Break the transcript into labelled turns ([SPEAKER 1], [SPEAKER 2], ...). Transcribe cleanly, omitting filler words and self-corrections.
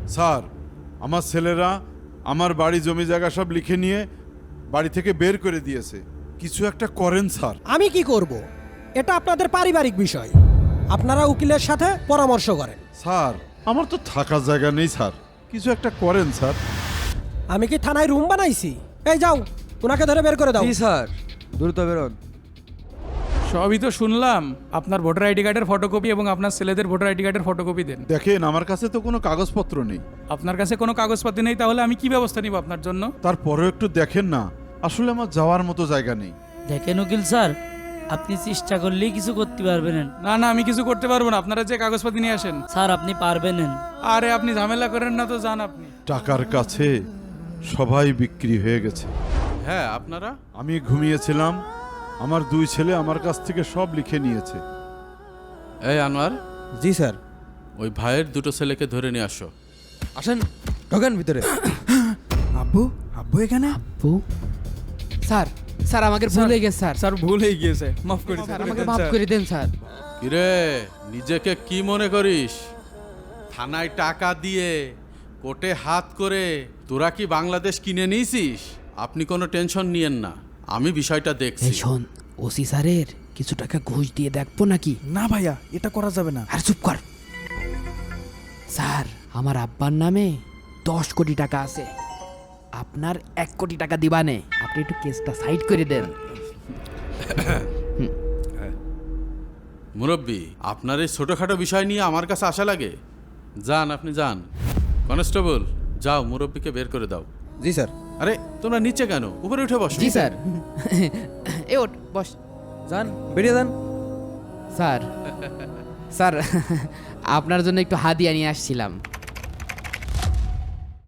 [SPEAKER 1] Sir, আমার ছেলেরা আমার বাড়ি জমি জায়গা সব লিখে নিয়ে বাড়ি থেকে বের করে দিয়েছে। কিছু একটা করেন স্যার।
[SPEAKER 2] আমি কি করব? এটা আপনাদের পারিবারিক বিষয়, আপনারা উকিলের সাথে পরামর্শ করেন।
[SPEAKER 1] স্যার, আমার তো থাকার জায়গা নেই স্যার, কিছু একটা করেন স্যার।
[SPEAKER 2] আমি কি থানায় রুম বানাইছি? এই যাও, ওনাকে ধরে বের করে দাও।
[SPEAKER 3] জি স্যার, দ্রুত বেরোন।
[SPEAKER 4] সবই তো শুনলাম। আপনার ভোটার আইডি কার্ডের ফটোকপি এবং আপনার ছেলেদের ভোটার আইডি কার্ডের ফটোকপি দেন।
[SPEAKER 1] দেখেন, আমার কাছে তো কোনো কাগজপত্র নেই।
[SPEAKER 4] আপনার কাছে কোনো কাগজপাতি নেই, তাহলে আমি কি ব্যবস্থা নিব আপনার জন্য?
[SPEAKER 1] তারপরেও একটু দেখেন না, আসলে আমার যাওয়ার মতো জায়গা নেই।
[SPEAKER 5] দেখেন উকিল স্যার, আপনি চেষ্টা করলেই কিছু করতে পারবেন।
[SPEAKER 4] না না, আমি কিছু করতে পারবো না। আপনারা যে কাগজপাতি নিয়ে আসেন।
[SPEAKER 5] স্যার আপনি পারবেন।
[SPEAKER 4] আরে আপনি ঝামেলা করেন না তো, যান আপনি।
[SPEAKER 1] টাকার কাছে সবাই বিক্রি হয়ে গেছে।
[SPEAKER 6] হ্যাঁ, আপনারা?
[SPEAKER 1] আমি ঘুমিয়েছিলাম, আমার দুই ছেলে আমার কাছ থেকে সব লিখে নিয়েছে।
[SPEAKER 6] এই আনোয়ার,
[SPEAKER 3] জি স্যার।
[SPEAKER 6] ওই ভাইয়ের দুটো ছেলেকে ধরে নিয়ে আসো।
[SPEAKER 3] আসেন, ঢোকেন ভিতরে।
[SPEAKER 7] আব্বু, আব্বু এখানে?
[SPEAKER 5] আপু
[SPEAKER 8] স্যার, স্যার আমাকে ভুল হয়ে গেছে স্যার।
[SPEAKER 4] স্যার ভুল হয়ে গিয়েছে, মাফ করে
[SPEAKER 8] স্যার আমাকে মাফ করে দেন স্যার।
[SPEAKER 6] কিরে, নিজেকে কি মনে করিস? থানায় টাকা দিয়ে কোর্টে হাত করে তোরা কি বাংলাদেশ কিনে নিয়েছিস? আপনি কোনো টেনশন নিয়েন না, আমি বিষয়টা দেখছি।
[SPEAKER 8] এই শোন, ওসি স্যারের কিছু টাকা ঘুষ দিয়ে দেখবো নাকি?
[SPEAKER 7] না ভাইয়া, এটা করা যাবে না।
[SPEAKER 8] আর চুপ কর। স্যার, আমার আব্বার নামে 10 কোটি টাকা আছে, আপনার 1 কোটি টাকা দিবানে। আপনি একটু কেসটা সাইড করে দেন।
[SPEAKER 6] মুরব্বী, আপনার এই ছোটোখাটো বিষয় নিয়ে আমার কাছে আসা লাগে? যান, আপনি যান। কনস্টেবল, যাও মুরব্বীকে বের করে দাও।
[SPEAKER 3] জি স্যার।
[SPEAKER 6] আরে তোমরা নিচে কেন? উপরে উঠে বসো।
[SPEAKER 8] জি স্যার। এ ওঠ, বস।
[SPEAKER 3] যান, বেরিয়ে যান।
[SPEAKER 8] স্যার, স্যার আপনার জন্য একটু হাদিয়া নিয়ে আসছিলাম।